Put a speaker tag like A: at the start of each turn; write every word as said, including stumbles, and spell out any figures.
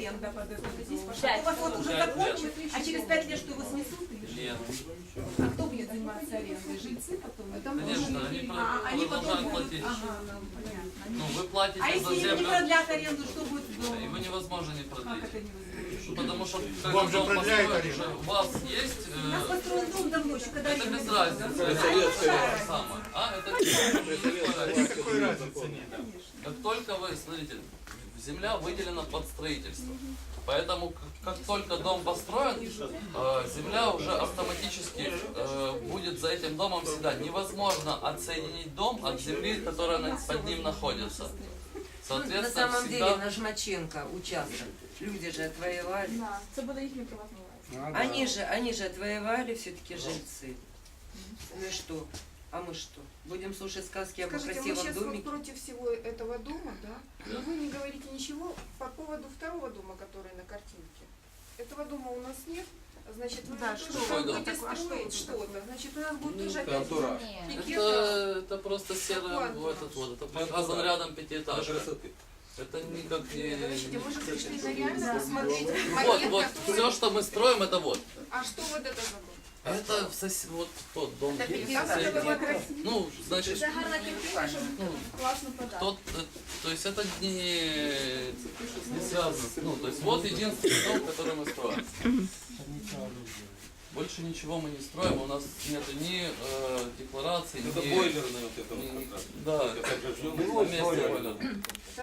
A: аренда под это здесь пошла.
B: Пять.
A: У вас вот уже
C: Пять
A: закончат, а через пять лет что, его снесут или что?
C: Нет.
A: А кто будет заниматься арендой? Жильцы потом?
C: Конечно, они
A: А, они потом
C: продолжают
A: будут...
C: платить.
A: Ага, ну, понятно. Они-
C: Ну, вы платите
A: А
C: за
A: если им не
C: землю,
A: продлят аренду, что будет с домом?
C: его невозможно не
A: Как
C: продлить.
A: это невозможно?
C: Потому что
D: Вам
C: когда
D: же
C: дом
D: продляют
C: построен,
D: аренду.
C: уже у вас есть...
A: У нас
C: э,
A: построен дом давно, еще когда...
C: Это
A: аренда
C: без
A: не было.
C: разницы.
A: А,
C: Это
A: большая
C: то же самое. А, это
D: Никакой разницы нет.
C: как только вы, смотрите, земля выделена под строительство. Поэтому как, как только дом построен, э, земля уже автоматически э, будет за этим домом всегда. Невозможно отсоединить дом от земли, которая на- под ним находится.
E: На
C: Соответственно,
E: самом деле
C: всегда...
E: на Жмаченко участок люди же отвоевали.
B: Да, це буде їхня приватна власність.
E: Они же, они же отвоевали все-таки жильцы. Ну и что? А мы что? Будем слушать сказки об
F: Скажите, мы
E: красивом
F: сейчас вот
E: домике?
F: против всего этого дома, да? Но вы не говорите ничего по поводу второго дома, который на картинке. Этого дома у нас нет. Значит, вы
A: Да,
F: тоже
A: что
F: там
C: такое
F: будете
A: дом? А что
F: строить
A: это
F: что-то. Значит, у нас будет
C: Ну,
F: тоже опять
G: антураж.
F: пикет.
C: Это, это просто серый
F: Какой
C: вот этот вот, это
G: антураж?
C: показан рядом пятиэтажка.
G: Красоты.
C: Это никак не...
F: Подождите, мы же пришли на реально посмотреть
C: Вот,
F: макет,
C: вот,
F: который-
C: все, что мы строим, это вот.
F: А что вот это за дом?
C: Это в сос... вот тот дом.
E: Это
C: есть
E: пятиэтажка.
C: соседний. Ну, значит,
B: Це гарна картина, щоб
C: ну,
B: класно подати.
C: тот, э, то есть это не, не связано. с- Ну, то есть вот единственный дом, который мы строим. Больше ничего мы не строим, у нас нет ни э, декларации,
G: Это
C: ни...
G: бойлерная вот это
C: ни-
G: вот как раз.
C: Да,
G: Это как же
C: на месте бойлера.